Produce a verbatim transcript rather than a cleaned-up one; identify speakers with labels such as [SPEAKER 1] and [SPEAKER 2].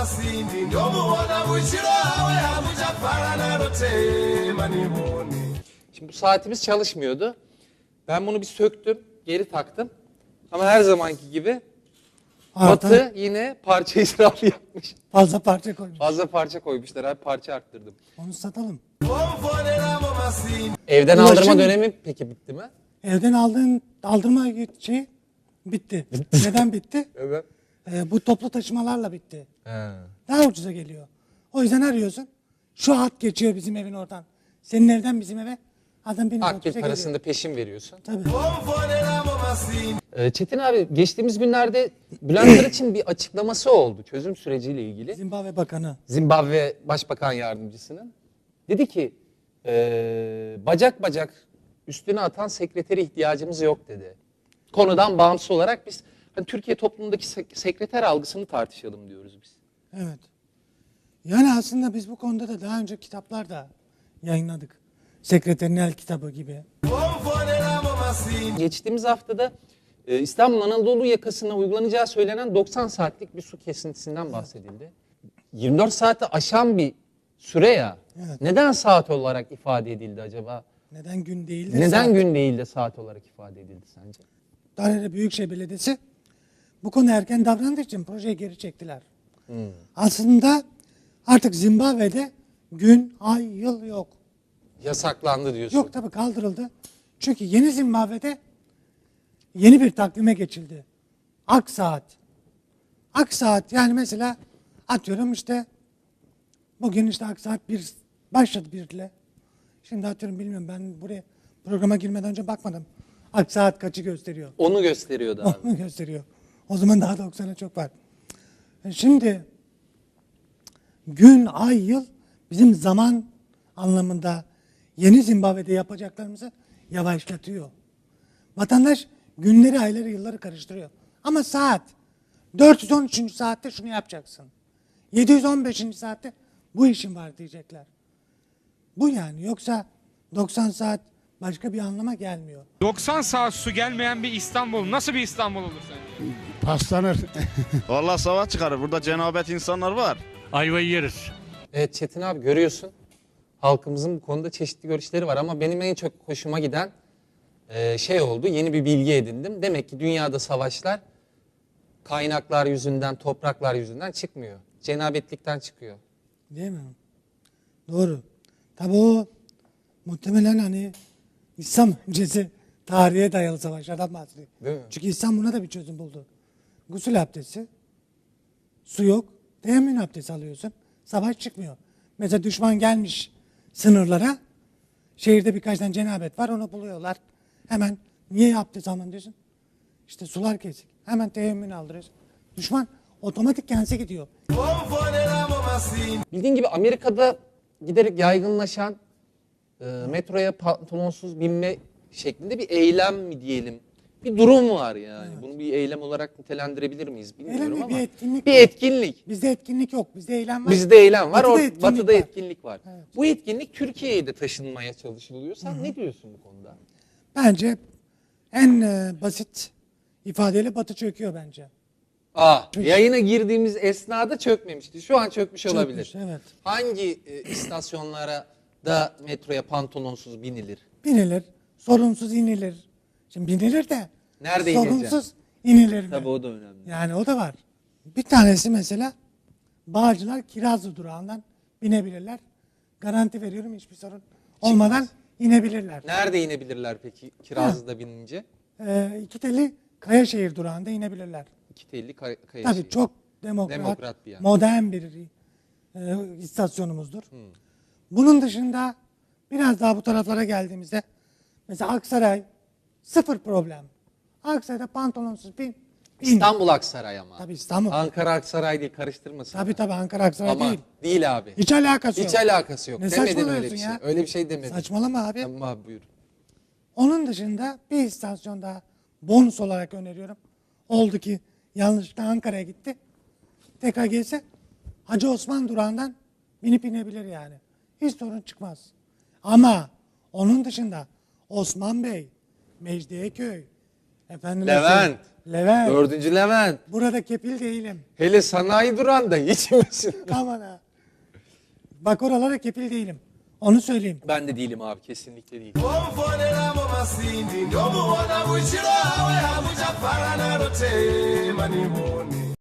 [SPEAKER 1] Şimdi bu saatimiz çalışmıyordu. Ben bunu bir söktüm, geri taktım. Ama her zamanki gibi
[SPEAKER 2] Arada
[SPEAKER 1] Batı yine parça israfı yapmış.
[SPEAKER 2] fazla parça koymuş.
[SPEAKER 1] Fazla parça koymuşlar abi, parça arttırdım.
[SPEAKER 2] Onu satalım.
[SPEAKER 1] Evden
[SPEAKER 2] Ulaşım-
[SPEAKER 1] aldırma dönemi peki bitti mi?
[SPEAKER 2] Evden aldığın aldırma şey bitti. Neden bitti?
[SPEAKER 1] Evet.
[SPEAKER 2] Ee, bu toplu taşımalarla bitti.
[SPEAKER 1] He.
[SPEAKER 2] Daha ucuza geliyor. O yüzden arıyorsun. Şu hat geçiyor bizim evin oradan. Senin evden bizim eve. Adam benim
[SPEAKER 1] Akbil
[SPEAKER 2] otobüse
[SPEAKER 1] parasını da
[SPEAKER 2] geliyor.
[SPEAKER 1] peşin veriyorsun.
[SPEAKER 2] Tabii.
[SPEAKER 1] Ee, Çetin abi geçtiğimiz günlerde Bülent Arıç'ın bir açıklaması oldu çözüm süreciyle ilgili.
[SPEAKER 2] Zimbabwe Bakanı.
[SPEAKER 1] Zimbabwe Başbakan Yardımcısının. Dedi ki ee, bacak bacak üstüne atan sekreteri ihtiyacımız yok dedi. Konudan bağımsız olarak biz hani Türkiye toplumundaki sek- sekreter algısını tartışalım diyoruz biz.
[SPEAKER 2] Evet. Yani aslında biz bu konuda da daha önce kitaplar da yayınladık. Sekreterin El kitabı gibi.
[SPEAKER 1] Geçtiğimiz haftada e, İstanbul Anadolu yakasına uygulanacağı söylenen doksan saatlik bir su kesintisinden bahsedildi. yirmi dört saati aşan bir süre ya.
[SPEAKER 2] Evet.
[SPEAKER 1] Neden saat olarak ifade edildi acaba?
[SPEAKER 2] Neden gün değil de
[SPEAKER 1] Neden
[SPEAKER 2] saat?
[SPEAKER 1] gün değil de saat olarak ifade edildi sence?
[SPEAKER 2] Darede Büyükşehir Belediyesi bu konu erken davrandığı için projeyi geri çektiler.
[SPEAKER 1] Hmm.
[SPEAKER 2] Aslında artık Zimbabwe'de gün, ay, yıl yok.
[SPEAKER 1] Yasaklandı diyorsun.
[SPEAKER 2] Yok tabii kaldırıldı. Çünkü yeni Zimbabwe'de yeni bir takvime geçildi. Ak saat. Ak saat yani mesela atıyorum işte bugün işte ak saat bir başladı birle. Şimdi atıyorum bilmiyorum ben buraya programa girmeden önce bakmadım. Ak saat kaçı gösteriyor?
[SPEAKER 1] Onu gösteriyordu abi.
[SPEAKER 2] Onu gösteriyor. O zaman daha doksana çok var. Şimdi gün, ay, yıl bizim zaman anlamında yeni Zimbabwe'de yapacaklarımızı yavaşlatıyor. Vatandaş günleri, ayları, yılları karıştırıyor. Ama saat dört yüz on üçüncü saatte şunu yapacaksın. yedi yüz on beşinci saatte bu işin var diyecekler. Bu yani yoksa doksan saat başka bir anlama gelmiyor.
[SPEAKER 3] doksan saat su gelmeyen bir İstanbul nasıl bir İstanbul olur sence?
[SPEAKER 4] Paslanır.
[SPEAKER 5] Vallahi savaş çıkarır. Burada cenabet insanlar var.
[SPEAKER 4] Ayvayı yeriz.
[SPEAKER 1] Evet Çetin abi görüyorsun. Halkımızın bu konuda çeşitli görüşleri var ama benim en çok hoşuma giden e, şey oldu. Yeni bir bilgi edindim. Demek ki dünyada savaşlar kaynaklar yüzünden, topraklar yüzünden çıkmıyor. Cenabetlikten çıkıyor.
[SPEAKER 2] Değil mi? Doğru. Tabi o muhtemelen hani İslam öncesi tarihe dayalı savaşlardan bahsediyor.
[SPEAKER 1] Değil mi?
[SPEAKER 2] Çünkü İslam buna da bir çözüm buldu. Gusül abdesti, su yok, teyemmüm abdesti alıyorsun, savaş çıkmıyor. Mesela düşman gelmiş sınırlara, şehirde birkaç tane cenabet var, onu buluyorlar. Hemen niye abdest alman diyorsun? İşte sular kesik. Hemen teyemmümünü aldırıyorsun. Düşman otomatik kendisi gidiyor.
[SPEAKER 1] Bildiğin gibi Amerika'da giderek yaygınlaşan e, metroya pantolonsuz binme şeklinde bir eylem mi diyelim? Bir durum var yani.
[SPEAKER 2] Evet.
[SPEAKER 1] Bunu bir eylem olarak nitelendirebilir miyiz bilmiyorum
[SPEAKER 2] Eylem
[SPEAKER 1] ama.
[SPEAKER 2] bir etkinlik.
[SPEAKER 1] Bir etkinlik.
[SPEAKER 2] Bizde etkinlik yok, bizde eylem var.
[SPEAKER 1] Bizde eylem var,
[SPEAKER 2] Batıda
[SPEAKER 1] or-
[SPEAKER 2] etkinlik
[SPEAKER 1] batıda
[SPEAKER 2] var.
[SPEAKER 1] etkinlik var.
[SPEAKER 2] Evet.
[SPEAKER 1] Bu etkinlik Türkiye'ye de taşınmaya çalışılıyor. Sen ne diyorsun bu konuda?
[SPEAKER 2] Bence en e, basit ifadeyle Batı çöküyor bence.
[SPEAKER 1] Aa, yayına girdiğimiz esnada çökmemişti. Şu an çökmüş olabilir.
[SPEAKER 2] Çökmüş, evet.
[SPEAKER 1] Hangi e, istasyonlara da metroya pantolonsuz binilir?
[SPEAKER 2] Binilir, sorunsuz inilir. Şimdi binilir de
[SPEAKER 1] Nerede
[SPEAKER 2] sorunsuz inilir mi?
[SPEAKER 1] Tabii o da önemli.
[SPEAKER 2] Yani o da var. Bir tanesi mesela Bağcılar Kirazlı durağından binebilirler. Garanti veriyorum hiçbir sorun olmadan inebilirler.
[SPEAKER 1] Nerede inebilirler peki Kirazlı'da binince?
[SPEAKER 2] Ee, iki teli Kayaşehir durağında inebilirler.
[SPEAKER 1] İki telli kay- kaya
[SPEAKER 2] Tabii
[SPEAKER 1] şehri.
[SPEAKER 2] çok demokrat,
[SPEAKER 1] Demokrat bir yer.
[SPEAKER 2] modern bir e, istasyonumuzdur. Bunun dışında biraz daha bu taraflara geldiğimizde mesela Aksaray sıfır problem. Aksaray'da pantolonsuz bin. bin.
[SPEAKER 1] İstanbul Aksaray ama.
[SPEAKER 2] Tabii İstanbul.
[SPEAKER 1] Ankara Aksaray değil, karıştırmasın.
[SPEAKER 2] Tabii tabii Ankara Aksaray
[SPEAKER 1] Ama
[SPEAKER 2] değil.
[SPEAKER 1] değil abi.
[SPEAKER 2] Hiç alakası yok.
[SPEAKER 1] Hiç alakası yok.
[SPEAKER 2] Ne
[SPEAKER 1] Demedin öyle
[SPEAKER 2] saçmalıyorsun
[SPEAKER 1] bir şey.
[SPEAKER 2] ya?
[SPEAKER 1] Öyle bir şey demedin.
[SPEAKER 2] Saçmalama abi.
[SPEAKER 1] Tamam abi buyur.
[SPEAKER 2] Onun dışında bir istasyon daha bonus olarak öneriyorum. Oldu ki yanlışlıkla Ankara'ya gitti. Tekrar gelse Hacı Osman durağından binip inebilir yani. Hiç sorun çıkmaz. Ama onun dışında Osman Bey, Mecidiyeköy, efendim
[SPEAKER 1] Levent.
[SPEAKER 2] Levent,
[SPEAKER 1] Dördüncü Levent.
[SPEAKER 2] burada kefil değilim.
[SPEAKER 1] Hele sanayi durağında hiç misin?
[SPEAKER 2] Aman ha. Bak oralara kefil değilim. Onu söyleyeyim.
[SPEAKER 1] Ben de değilim abi, kesinlikle değil.
[SPEAKER 4] Omfonera mu masindi ndomubona bukiro awe amuja farana rote maniboni